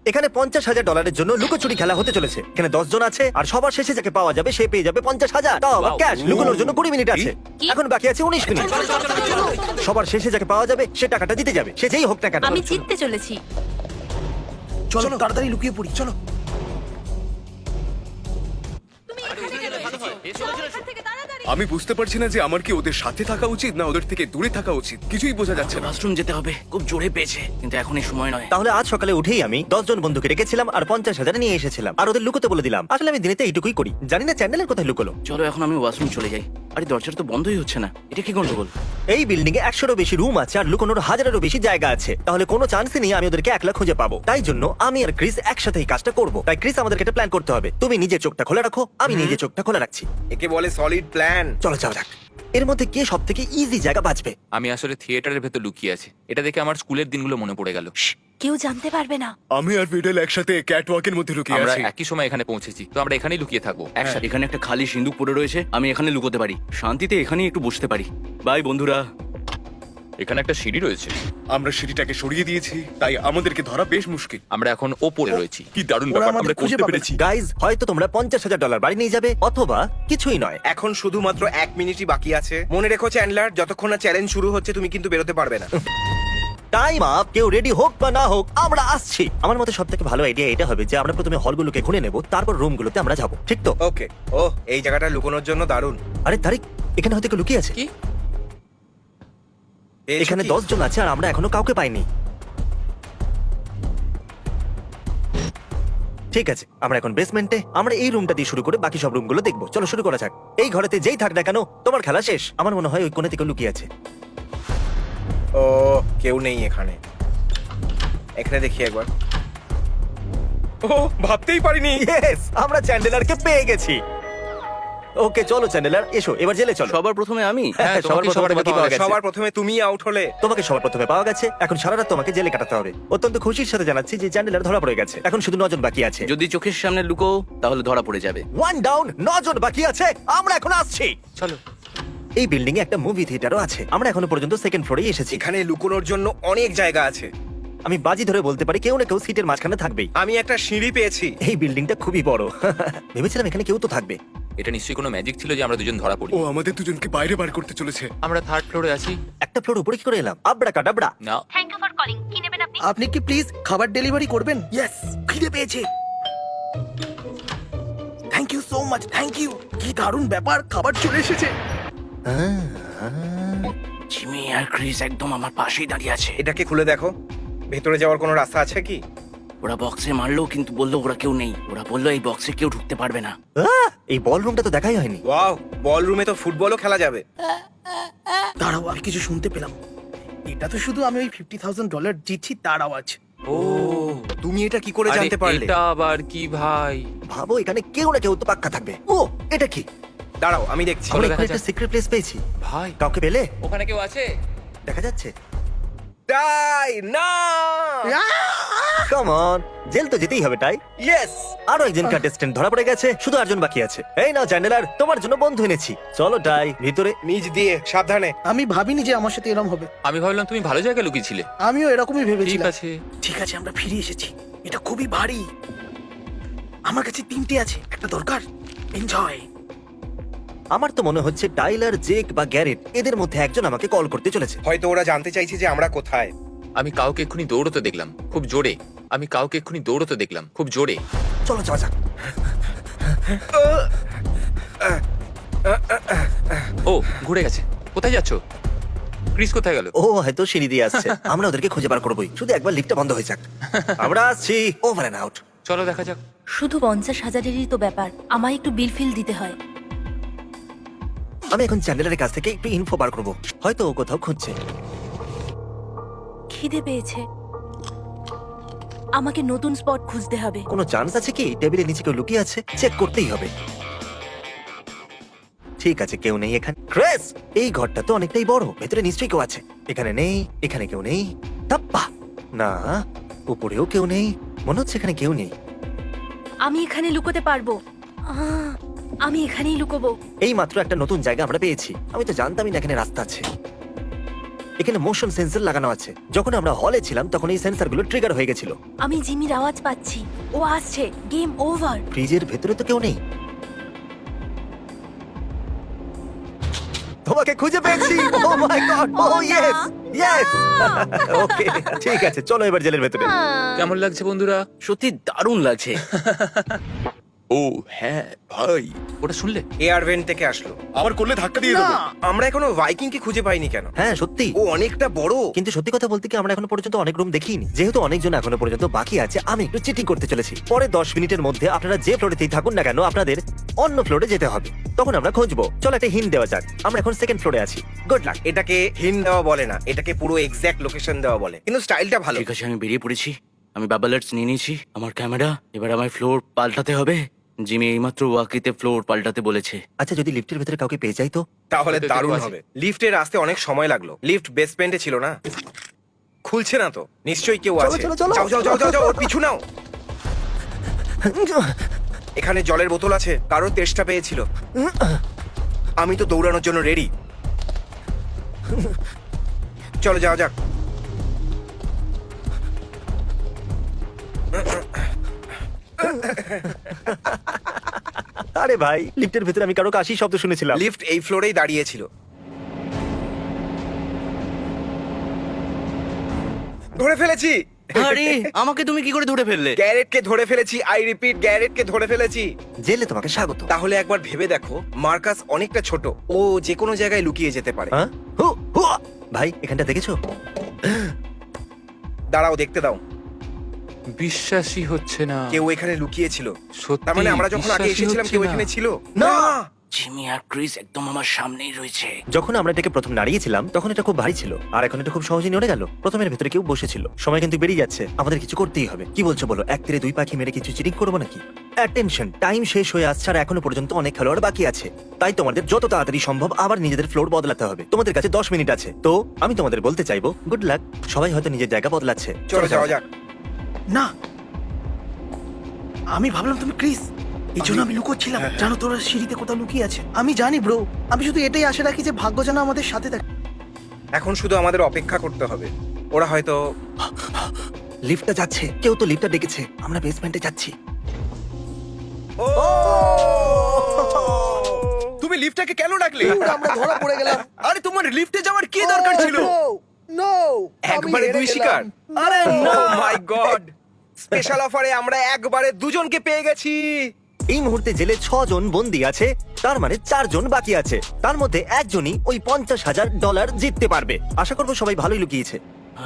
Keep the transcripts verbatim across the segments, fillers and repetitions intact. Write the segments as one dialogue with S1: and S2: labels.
S1: এখানে পঞ্চাশ হাজার ডলারের জন্য লুকোচুরি খেলা হতে চলেছে। এখানে দশ জন আছে আর সবার শেষে যাকে পাওয়া যাবে সে পেয়ে যাবে পঞ্চাশ হাজার। তাও আবার ক্যাশ। লুকোনোর জন্য কুড়ি মিনিট আছে,
S2: কি?
S1: এখন বাকি আছে উনিশ মিনিট। সবার শেষে যাকে পাওয়া যাবে সে টাকাটা দিতে যাবে, সে যেই হোক না কেন।
S2: আমি জিততে চলেছি।
S3: চলো তাড়াতাড়ি লুকিয়ে পড়ি, চলো।
S4: আমি বুঝতে পারছি না যে আমার কি ওদের সাথে থাকা উচিত না ওদের থেকে দূরে থাকা উচিত, কিছুই বোঝা যাচ্ছে না।
S3: ওয়াশরুম যেতে হবে, খুব জোরে পেয়েছে, কিন্তু এখন এই সময় নয়।
S1: তাহলে আজ সকালে উঠেই আমি দশ জন বন্ধুকে রেখেছিলাম আর পঞ্চাশ হাজার নিয়ে এসেছিলাম আর ওদের লুকোতে বলে দিলাম। আসলে আমি দিনেতে এইটুকুই করি। জানি না চ্যান্ডেলের কোথায় লুকোলো।
S3: চলো এখন আমি ওয়াশরুম চলে যাই। আরে দরজাটা তো বন্ধই হচ্ছে না, এটা কি গন্ডগোল?
S1: এই বিল্ডিং এ একশোরও বেশি রুম আছে আর লুকোনোর হাজারেরও বেশি জায়গা আছে, তাহলে কোনো চান্সই নেই আমি ওদেরকে একলা খুঁজে পাবো। তাই জন্য আমি আর ক্রিস একসাথে এই কাজটা করবো। তাই ক্রিস আমাদেরকে একটা প্ল্যান করতে হবে। তুমি নিজের চোখটা খোলা রাখো, আমি নিজের চোখটা খোলা রাখছি।
S5: একে বলে সলিড প্ল্যান।
S1: চলো যাও যাক। এর মধ্যে কে সব থেকে ইজি জায়গা বাঁচবে?
S6: আমি আসলে থিয়েটারের ভেতর লুকিয়ে আছি। এটা দেখে আমার স্কুলের দিনগুলো মনে পড়ে গেল।
S2: কেউ জানতে পারবে না।
S4: আমি আর ভিডেল একসাথে ক্যাট ওয়াকের মধ্যে লুকিয়ে
S6: আমরা
S4: আছি।
S6: একই সময় এখানে পৌঁছেছি, তো আমরা এখানেই লুকিয়ে থাকবো একসাথে।
S3: এখানে একটা খালি সিন্দুক পড়ে রয়েছে, আমি এখানে লুকোতে পারি, শান্তিতে এখানেই একটু বসতে পারি। বাই বন্ধুরা।
S6: এখানে একটা সিঁড়ি রয়েছে,
S4: আমরা সিঁড়িটাকে সরিয়ে দিয়েছি, তাই আমাদেরকে ধরা বেশ মুশকিল।
S6: আমরা এখন ওপরে রয়েছি।
S4: কি দারুণ
S3: ওরা
S4: ব্যাপার,
S3: আমাদের
S4: আমরা
S3: খুঁজে
S4: করতে
S3: পাবে।
S4: পেরেছি।
S1: গাইজ, হয়তো তোমরা পঞ্চাশ হাজার ডলার বাড়ি নিয়ে যাবে অথবা কিছুই নয়।
S5: এখন শুধুমাত্র এক মিনিটই বাকি আছে। মনে রেখো চ্যান্ডলার, যতক্ষণ না চ্যালেঞ্জ শুরু হচ্ছে তুমি কিন্তু বেরোতে পারবে না।
S1: Time up. কেউ রেডি হোক বা না হোক আমরা আসছি। আমার মতে সব থেকে ভালো আইডিয়া এটা হবে যে আমরা প্রথমে হলগুলোকে ঘুরে নেব, তারপর রুমগুলোতে আমরা যাবো। ঠিক তো?
S5: ওকে। ও, এই জায়গাটা লুকোনোর জন্য দারুণ।
S1: আরে তারিক, এখানে হয়তো কেউ লুকিয়ে আছে।
S6: কি?
S5: পেয়েছো
S1: এখানে
S5: কি?
S1: দশ জন আছে আর আমরা এখনো কাউকে পাইনি। ঠিক আছে, আমরা এখন বেসমেন্টে। আমরা এই রুমটা দিয়ে শুরু করে বাকি সব রুমগুলো দেখবো। চলো শুরু করা যাক। এই ঘরেতে যেই থাক না কেন তোমার খেলা শেষ। আমার মনে হয় ওই কোণে থেকে লুকিয়ে আছে।
S5: ও, কেউ নেই এখানে। এখানে দেখি একবার। ও, ভাবতেই পারিনি।
S1: ইয়েস, আমরা চ্যান্ডেলারকে পেয়ে গেছি। ওকে চলো চ্যান্ডেলার, এসো এবার জেলে চলো।
S3: সবার প্রথমে আমি।
S1: হ্যাঁ, সবার
S6: তোমাকেই
S1: প্রথমে
S6: সবার আগে
S1: তোমাকে
S6: পাওয়া
S1: পাওয়া গেছে।
S5: সবার প্রথমে তুমি আউট হলে।
S1: তোমাকে সবার প্রথমে পাওয়া গেছে। এখন সারা রাত তোমাকে জেলে কাটাতে হবে। অত্যন্ত খুশির সাথে জানাচ্ছি যে চ্যান্ডেলার ধরা পড়ে গেছে। এখন শুধু নজন বাকি আছে।
S3: যদি চোখের সামনে লুকো তাহলে ধরা পড়ে যাবে।
S1: ওয়ান ডাউন, নজন বাকি আছে। আমরা এখন আসছি।
S6: চলো।
S1: এই বিল্ডিং এ একটা মুভি থিয়েটারও আছে। আমরা এখনো পর্যন্ত সেকেন্ড ফ্লোরেই এসেছি।
S5: এখানে লুকোনোর জন্য অনেক জায়গা আছে।
S1: আমি বাজি ধরে বলতে পারি কেউ না কেউ সিটের মাঝখানে থাকবেই।
S5: আমি একটা সিঁড়ি পেয়েছি।
S1: এই বিল্ডিংটা খুবই বড়। ভেবেছিলাম এখানে কেউ তো থাকবে।
S6: এটা নিশ্চয়ই কোনো ম্যাজিক ছিল যে আমরা দুজন ধরা পড়ি।
S4: ও আমাদের দুজনকে বাইরে বার করতে চলেছে।
S6: আমরা থার্ড ফ্লোরে আছি।
S1: একটা ফ্লোর উপরে কি করে এলাম? আবড়া কাটাবড়া।
S6: না,
S2: থ্যাংক ইউ ফর কলিং। কি নেবেন আপনি?
S3: আপনি কি প্লিজ খাবার ডেলিভারি করবেন? ইয়েস, খিদে পেয়েছে। Thank you so much, thank you. কি দারুণ ব্যাপার, খাবার চলে এসেছে। জিমি আর ক্রিস একদম আমার পাশেই দাঁড়িয়ে আছে।
S5: এটাকে খুলে দেখো, ভেতরে যাওয়ার কোনো রাস্তা আছে কি?
S3: ওরা বক্সে মারলো কিন্তু বললো ওরা কেউ নেই। ওরা বললো এই বক্সে কেউ ঢুকতে পারবে না।
S1: আহ! এই বল রুমটা তো দেখাই হয়নি।
S5: ওয়াও, বল রুমে তো ফুটবলও খেলা যাবে।
S7: দাঁড়াও, আমি কিছু শুনতে পেলাম। এটা তো শুধু আমি ওই ফিফটি থাউজেন্ড ডলার জিতছি তার আওয়াজ।
S6: ও
S5: তুমি এটা কি করে
S6: আরে
S5: জানতে পারলে?
S6: এটা আবার কি ভাই?
S1: ভাবো এখানে কেউ না কেউ তো পাক্কা থাকবে। ও, এটা কি?
S5: দাঁড়াও, আমি দেখছি।
S1: আমরা
S6: দেখা
S1: এখানে একটা
S6: যাক।
S1: সিক্রেট প্লেস পেয়েছি।
S6: ভাই
S1: কাউকে পেলে?
S6: ওখানে কেউ আছে?
S1: দেখা যাচ্ছে।
S5: তাই না?
S1: কাম অন, জেল তো যেতেই হবে তাই।
S5: ইয়েস।
S1: আরো একজন কন্টেস্টেন্ট ধরা পড়ে গেছে, শুধু আটজন বাকি আছে। এই নাও চ্যান্ডেলার, তোমার জন্য বন্ধু এনেছি। চলো টাই, ভিতরে।
S5: নিচ দিয়ে সাবধানে।
S7: আমি ভাবিনি যে আমার সাথে এরকম হবে।
S6: আমি ভাবলাম তুমি ভালো জায়গায় লুকিয়েছিলে।
S7: আমিও এরকমই
S6: ঠিক
S7: ভেবেছিলাম।
S6: আছে।
S7: ঠিক আছে, আমরা ফিরে এসেছি। এটা খুবই ভারী। আমার কাছে তিনটে আছে, একটা দরকার। এনজয়।
S1: আমার তো মনে হচ্ছে টাইলার, জেক বা গ্যারেট এদের মধ্যে একজন আমাকে কল করতে চলেছে।
S5: হয়তো ওরা জানতে চাইছে যে আমরা কোথায়।
S6: আমি কাউকে এক্ষুনি দৌড়তে দেখলাম খুব জোরে। আমি কাউকে এক্ষুনি দৌড়তে দেখলাম খুব জোরে।
S1: চলো যাওয়া যাক।
S6: ও ঘুরে গেছে। কোথায় যাচ্ছ? ক্রিস কোথায় গেল?
S1: ও হয়তো সিঁড়ি দিয়ে আসছে। আমরা ওদেরকে খুঁজে বার করবোই, শুধু একবার লিফটটা বন্ধ হয়ে যাক। আমরা আসছি। Over and out.
S6: চলো দেখা যাক।
S2: শুধু পঞ্চাশ হাজারেরই তো ব্যাপার, আমায় একটু বিল ফিল দিতে হয়।
S1: আমি এখন চ্যান্ডেলারের কাছ থেকে একটু ইনফো বার করবো। হয়তো ও কোথাও খুঁজছে।
S2: খিদে পেয়েছে, আমাকে নতুন স্পট খুঁজতে হবে।
S1: কোনো চান্স আছে কি টেবিলের নিচে কেউ লুকিয়ে আছে? চেক করতেই হবে। ঠিক আছে, কেউ নেই এখানে। ক্রেস, এই ঘরটা তো অনেকটাই বড়, ভেতরে নিশ্চয়ই কেউ আছে। এখানে নেই, এখানে কেউ নেই। তাপ্পা না, উপরেও কেউ নেই। মনে হচ্ছে এখানে কেউ নেই।
S2: আমি এখানে লুকোতে পারবো। আহ, আমি এখানেই লুকোবো।
S1: এই মাত্র একটা নতুন জায়গা আমরা পেয়েছি। আমি তো জানতামই না এখানে রাস্তা আছে। এখানে মোশন সেন্সর লাগানো আছে। যখন আমরা হলে ছিলাম তখন এই সেন্সরগুলো ট্রিগার হয়ে গেছিল।
S2: আমি জিমির আওয়াজ পাচ্ছি, ও আসছে। Game over.
S1: ফ্রিজের ভেতরে তো কেউ নেই। তোমাকে খুঁজে পেয়েছি। Oh my god, oh yes yes. Okay, ঠিক আছে, চলো এবার জেলের ভেতরে।
S6: কেমন লাগছে বন্ধুরা?
S3: সত্যি দারুণ লাগছে।
S6: ও হ্যাঁ ভাই, ওটা শুনলে?
S5: এয়ার ভেন্ট থেকে আসলো।
S4: আবার করলে ধাক্কা দিয়ে দেবো।
S5: আমরা এখনো ভাইকিং কে খুঁজে পাইনি কেন?
S1: হ্যাঁ সত্যি।
S5: ও অনেকটা বড়।
S1: কিন্তু সত্যি কথা বলতে কি আমরা এখনো পর্যন্ত অনেক রুম দেখিনি। যেহেতু অনেকজন এখনো পর্যন্ত বাকি আছে, আমি একটু চিটিং করতে চলেছি। পরে দশ মিনিটের মধ্যে আপনারা যে ফ্লোরেতেই থাকুন না কেন, আপনাদের অন্য ফ্লোরে যেতে হবে। তখন আমরা খুঁজবো। চলো একটা হিন্ট দেওয়া যাক। আমরা এখন সেকেন্ড ফ্লোরে আছি। Good luck.
S5: এটাকে হিন দেওয়া বলে না, এটাকে পুরো এক্সাক্ট লোকেশন দেওয়া বলে, কিন্তু স্টাইলটা ভালো।
S3: ঠিক আছে, আমি বেরিয়ে পড়েছি। আমি বাবলার্স নিয়ে নিয়েছি, আমার ক্যামেরা। এবার আমার ফ্লোর পাল্টাতে হবে। জিমি এইমাত্র ওয়াকিতে ফ্লোর পাল্টাতে বলেছে।
S1: আচ্ছা, যদি লিফটের ভেতরে কাউকে পেয়ে যাই তো?
S5: তাহলে
S6: ওদের
S5: দারুণ
S6: কেউ আছে?
S5: হবে। লিফটের আসতে অনেক সময় লাগলো। লিফট বেসমেন্টে ছিল না, খুলছে না তো। নিশ্চয়ই কেউ
S1: চলো,
S5: আছে।
S1: চলো, চলো।
S5: যাও যাও যাও যাও যাও, ওর পিছু নাও। এখানে জলের বোতল আছে, কারোর তেষ্টা পেয়েছিল। আমি তো দৌড়ানোর জন্য রেডি। চলো যাও যাক।
S1: আরে ভাই, লিফটের ভেতরে আমি কারো কাশি শব্দ শুনেছিলাম।
S5: লিফট এই ফ্লোরেই দাঁড়িয়েছিল। ধরে ফেলেছি।
S3: আরে আমাকে তুমি কি করে ধরে ফেললে?
S5: গ্যারেটকে ধরে ফেলেছি। আই রিপিট, গ্যারেটকে ধরে ফেলেছি।
S1: জেলে তোমাকে স্বাগত।
S5: তাহলে একবার ভেবে দেখো, মার্কাস অনেকটা ছোট, ও যে কোনো জায়গায় লুকিয়ে যেতে পারে।
S1: হ্যাঁ? হু, হু। ভাই, এখানটা দেখেছো?
S5: দাঁড়াও, দেখতে দাও।
S6: বিশ্বাসই হচ্ছে না।
S5: কেউ এখানে লুকিয়ে ছিল।
S6: সত্যি
S5: তার মানে আমরা যখন আগে
S6: বিশ্বাসই
S5: এসেছিলাম
S6: হচ্ছে
S5: কেউ
S6: না।
S5: এখানে ছিল
S1: না।
S5: না।
S3: জিমি আর ক্রিস একদম আমার সামনেই রয়েছে।
S1: যখন আমরা এটাকে প্রথম নাড়িয়েছিলাম তখন এটা খুব ভারী ছিল, আর এখন এটা খুব সহজে নড়ে গেল। প্রথমের ভেতরে কেউ বসেছিল। সময় কিন্তু বেরিয়ে যাচ্ছে, আমাদের কিছু করতেই হবে। কি বলছো বলো? এক তীরে দুই পাখি মেরে কিছু চিটিং করবো নাকি? অ্যাটেনশন, টাইম শেষ হয়ে আসছে আর এখনো পর্যন্ত অনেক খেলোয়াড় বাকি আছে। তাই তোমাদের যত তাড়াতাড়ি সম্ভব আবার নিজেদের ফ্লোর বদলাতে হবে। তোমাদের কাছে দশ মিনিট আছে। তো আমি তোমাদের বলতে চাইবো গুড লাক। সবাই হয়তো নিজের জায়গা বদলাচ্ছে।
S5: চলো যাওয়া যাক।
S7: না, আমি ভাবলাম তুমি ক্রিস, এই জন্য আমি লুকোচ্ছিলাম। জানো তোরা সিঁড়িতে কোথাও লুকিয়ে আছে। আমি জানি ব্রো, আমি শুধু এটাই আশা রাখি যে ভাগ্য যেন আমাদের সাথে থাকে।
S5: এখন শুধু আমাদের অপেক্ষা করতে হবে। ওরা হয়তো
S1: লিফটটা যাচ্ছে, কেউ তো লিফটটা ডেকেছে। আমরা বেসমেন্টে যাচ্ছি।
S5: তুমি লিফটটাকে কেন ডাকলে?
S7: আমরা ধরা পড়ে গেলাম।
S5: আরে তোমার লিফটে যাওয়ার কি দরকার ছিল?
S7: নো,
S5: একবারে দুই শিকার। আরে নো মাই গড, স্পেশাল অফারে আমরা একবারে দুজনকে পেয়ে গেছি।
S1: এই মুহূর্তে জেলে ছজন বন্দি আছে, তার মানে চারজন বাকি আছে। তার মধ্যে একজনই ওই পঞ্চাশ হাজার ডলার জিততে পারবে। আশা করবো সবাই ভালোই লুকিয়েছে।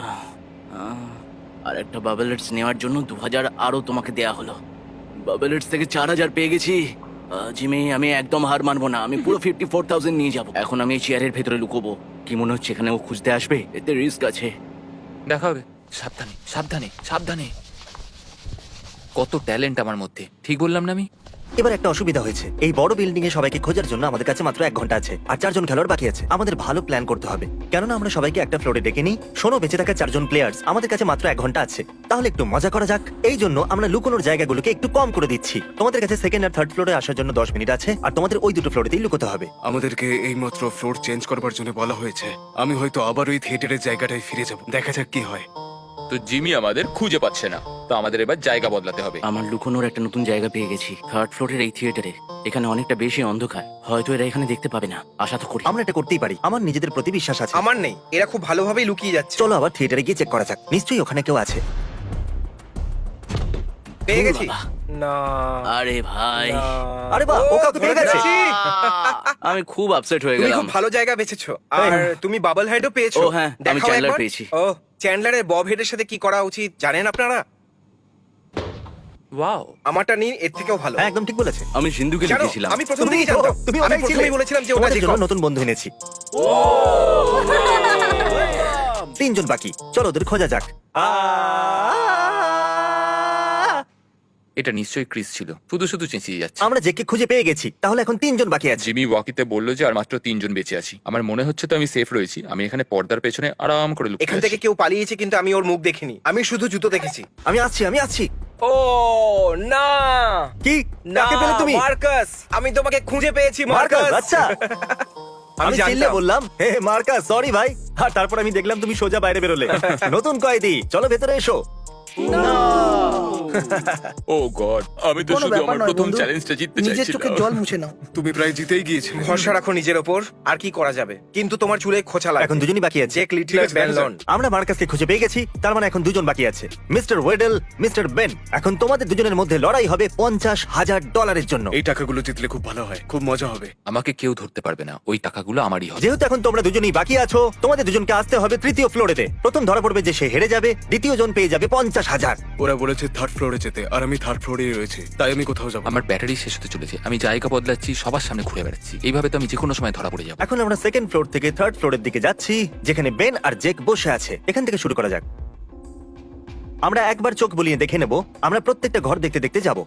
S3: আর একটা বাবলার্স নেওয়ার জন্য দু হাজার আরো তোমাকে দেয়া হলো। বাবলার্স থেকে চার হাজার পেয়ে গেছি। আহ, জিমি, আমি একদম হার মানবো না। আমি পুরো ফিফটি ফোর থাউজেন্ড নিয়ে যাবো। এখন আমি এই চেয়ারের ভেতরে লুকোবো। কি মনে হচ্ছে এখানে ও খুঁজতে আসবে? এতে রিস্ক আছে।
S6: দেখা হবে। সাবধানে সাবধানে সাবধানে। কত ট্যালেন্ট আমার মধ্যে, ঠিক বললাম না আমি?
S1: এবার একটা অসুবিধা হয়েছে। এই বড় বিল্ডিং এ সবাইকে খোঁজার জন্য আমাদের কাছে মাত্র এক ঘন্টা আছে, আর চারজন খেলোয়াড় বাকি আছে। আমাদের ভালো প্ল্যান করতে হবে, কেননা আমরা সবাইকে একটা ফ্লোরে ডেকে নিই। শোনো, বেঁচে থাকা চারজন প্লেয়ার্স, আমাদের কাছে মাত্র এক ঘন্টা আছে। তাহলে একটু মজা করা যাক। এই জন্য আমরা লুকোনোর জায়গাগুলোকে একটু কম করে দিচ্ছি। তোমাদের কাছে সেকেন্ড আর থার্ড ফ্লোরে আসার জন্য দশ মিনিট আছে, আর তোমাদের ওই দুটো ফ্লোরেতেই লুকোতে হবে।
S4: আমাদেরকে এইমাত্র ফ্লোর চেঞ্জ করবার জন্য বলা হয়েছে। আমি হয়তো আবার ওই থিয়েটারের জায়গাটায় ফিরে যাব। দেখা যাক কি হয়।
S6: তো জিমি আমাদের খুঁজে পাচ্ছে না, তো আমাদের এবার জায়গা বদলাতে হবে।
S3: আমার লুকোনোর একটা নতুন জায়গা পেয়ে গেছি, থার্ড ফ্লোরের এই থিয়েটারে। এখানে অনেকটা বেশি অন্ধকার, হয়তো এরা এখানে দেখতে পাবে না। আশা তো করি।
S1: আমরা এটা করতেই পারি, আমার নিজেদের প্রতি বিশ্বাস আছে।
S5: আমার নেই, এরা খুব ভালোভাবেই লুকিয়ে যাচ্ছে।
S1: চলো আবার থিয়েটারে গিয়ে চেক করা যাক, নিশ্চয়ই ওখানে কেউ আছে।
S5: পেয়ে গেছি।
S3: বাবা।
S5: না,
S3: আরে ভাই,
S5: না।
S1: আরে বাহ, ও কাউকে পেয়ে
S5: ধরে
S1: গেছে।
S5: ফেলেছি।
S3: আমি খুব আপসেট হয়ে
S5: তুমি
S3: গেলাম।
S5: খুব ভালো জায়গা বেছেছো, আর তুমি বাবল হেডও পেয়েছো।
S3: ও হ্যাঁ, আমি
S5: দেখাও
S3: চ্যান্ডলার
S5: একবার।
S3: পেয়েছি।
S5: ও, চ্যান্ডলারের বব হেডের সাথে কি করা উচিত জানেন আপনারা?
S6: ওয়াও,
S5: আমারটা নিন, এর থেকেও ভালো।
S1: হ্যাঁ, একদম ঠিক বলেছে।
S3: আমি সিন্ধুকে
S5: জানো,
S3: লিখেছিলাম।
S5: আমি প্রথম
S1: তুমি
S5: থেকেই
S1: তো-
S5: জানতাম।
S1: তুমি
S5: আমি
S1: ওটাই ছিলে।
S5: প্রথমেই বলেছিলাম যে ওটা
S1: তোমাদের জন্য
S5: জেকব।
S1: নতুন বন্ধু এনেছি। তিনজন বাকি, চলো ওদের খোঁজা যাক।
S6: এটা নিশ্চয়ই ক্রিস ছিল, শুধু শুধু চেঁচিয়ে যাচ্ছে।
S1: আমরা জেকে খুঁজে পেয়ে গেছি, তাহলে এখন তিনজন বাকি আছে।
S6: জিমি ওয়াকিতে বললো যে আর মাত্র তিনজন বেঁচে আছি। আমার মনে হচ্ছে তো আমি সেফ রয়েছি। আমি এখানে পর্দার পেছনে আরাম করে লুকিয়ে
S5: এখান
S6: আছি।
S5: থেকে কেউ পালিয়েছে, কিন্তু আমি ওর মুখ দেখিনি। আমি শুধু জুতো দেখেছি।
S1: আমি আসছি, আমি আসছি।
S5: ও না,
S1: কি?
S5: না
S1: কাকে পেলে তুমি?
S5: মার্কাস, আমি তোমাকে খুঁজে পেয়েছি
S1: মার্কাস,
S5: মার্কাস।
S1: আচ্ছা। আমি
S5: জানতাম।
S1: চিল্লে বললাম হে মার্কাস সরি ভাই, আর তারপর আমি দেখলাম তুমি সোজা বাইরে বেরোলে। নতুন কয়েদি, চলো ভেতরে এসো।
S6: ও গড, আমি তো
S7: কোনো
S6: শুধু
S7: ব্যাপার
S6: আমার
S7: নয়
S6: প্রথম
S7: বন্ধু,
S6: চ্যালেঞ্জটা জিততে
S7: নিজের
S6: চাইছিলাম।
S7: চোখে জল মুছে নাও।
S4: তুমি প্রায় জিতেই গিয়েছো।
S5: ভরসা রাখো নিজের ওপর, আর কি করা যাবে। কিন্তু তোমার চুলে খোঁচা লাগবে।
S1: এখন দুজনই বাকি আছে।
S5: জেক লিটলার,
S4: আছে,
S5: বেন
S4: দেখা
S5: লন।
S1: আমরা মার্কাসকে খুঁজে পেয়ে গেছি, তার মানে এখন দুজন বাকি আছে, মিস্টার ওয়েডেল, মিস্টার বেন। এখন তোমাদের দুজনের মধ্যে লড়াই হবে পঞ্চাশ হাজার ডলারের জন্য।
S4: এই টাকাগুলো জিতলে খুব ভালো হয়, খুব মজা হবে।
S6: আমাকে কেউ ধরতে পারবে না, ওই টাকাগুলো আমারই হবে।
S1: যেহেতু এখন তোমরা দুজনেই বাকি আছো, তোমাদের দুজনকে আসতে হবে তৃতীয় ফ্লোরেতে। প্রথম ধরা পড়বে যে সে হেরে যাবে, দ্বিতীয় জন পেয়ে যাবে পঞ্চাশ হাজার।
S4: ওরা বলেছে থার্ড ফ্লোরে যেতে, আর আমি থার্ড ফ্লোরেই রয়েছে, তাই আমি কোথাও যাবো না।
S6: আমার ব্যাটারি শেষ হতে চলেছে, আমি জায়গা বদলাচ্ছি, সবার সামনে ঘুরে বেড়াচ্ছি, এইভাবে তো আমি যে কোনো সময় ধরা পড়ে যাবো।
S1: এখন আমরা সেকেন্ড ফ্লোর থেকে থার্ড ফ্লোরের দিকে যাচ্ছি, যেখানে বেন আর জেক বসে আছে। এখান থেকে শুরু করা যাক। আমরা একবার চোখ বুলিয়ে দেখে নেব, আমরা প্রত্যেকটা ঘর দেখতে দেখতে যাব।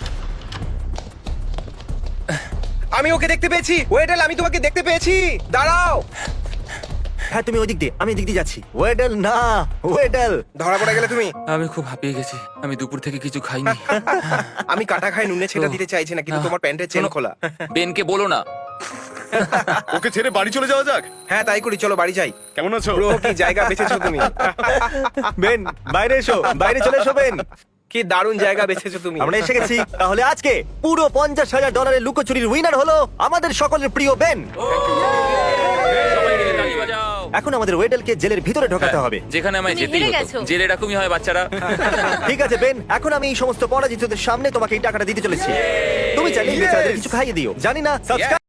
S5: আমি ওকে দেখতে পেয়েছি। ওয়েডেল, আমি তোমাকে দেখতে পেয়েছি। দাঁড়াও।
S1: হ্যাঁ তুমি ওই দিক দিয়ে, আমি দিক দিয়ে যাচ্ছি। ওয়েডেল না, ওয়েডেল।
S5: ধরা পড়ে গেলে তুমি।
S6: আমি খুব হাঁপিয়ে গেছি, আমি দুপুর থেকে কিছু খাইনি।
S5: আমি কাটা খাই নুনে ছেটা দিতে চাইছি না, কিন্তু তোমার প্যান্টের চেন
S6: শোনো,
S5: খোলা।
S6: বেনকে বলো না।
S4: ওকে ছেড়ে বাড়ি চলে যাওয়া যাক।
S5: হ্যাঁ তাই করি, চলো বাড়ি যাই।
S4: কেমন আছো?
S5: ব্রো, কি জায়গা বেছেছো তুমি।
S1: বেন বাইরে এসো, বাইরে চলে এসো বেন।
S5: কি দারুণ জায়গা বেছেছো তুমি।
S1: আমরা এসে গেছি। তাহলে আজকে পুরো পঞ্চাশ হাজার ডলারের লুকোচুরির উইনার হলো আমাদের সকলের প্রিয় বেন।
S6: সবাই মিলে তালি বাজাও।
S1: এখন আমাদের ওয়েডেলকে জেলের ভিতরে ঢোকাতে হবে।
S6: যেখানে আমায়
S2: তুমি
S6: যেতেই
S2: হেরে
S6: হতো,
S2: গেছো।
S6: জেলে এরকমই হয় বাচ্চারা।
S1: ঠিক আছে বেন, এখন আমি এই সমস্ত পরাজিতদের সামনে তোমাকে এই টাকাটা দিতে চলেছি। তুমি চাইলে এই বেচারাদের কিছু খাইয়ে দিও। জানি না সাবস্ক্রাইব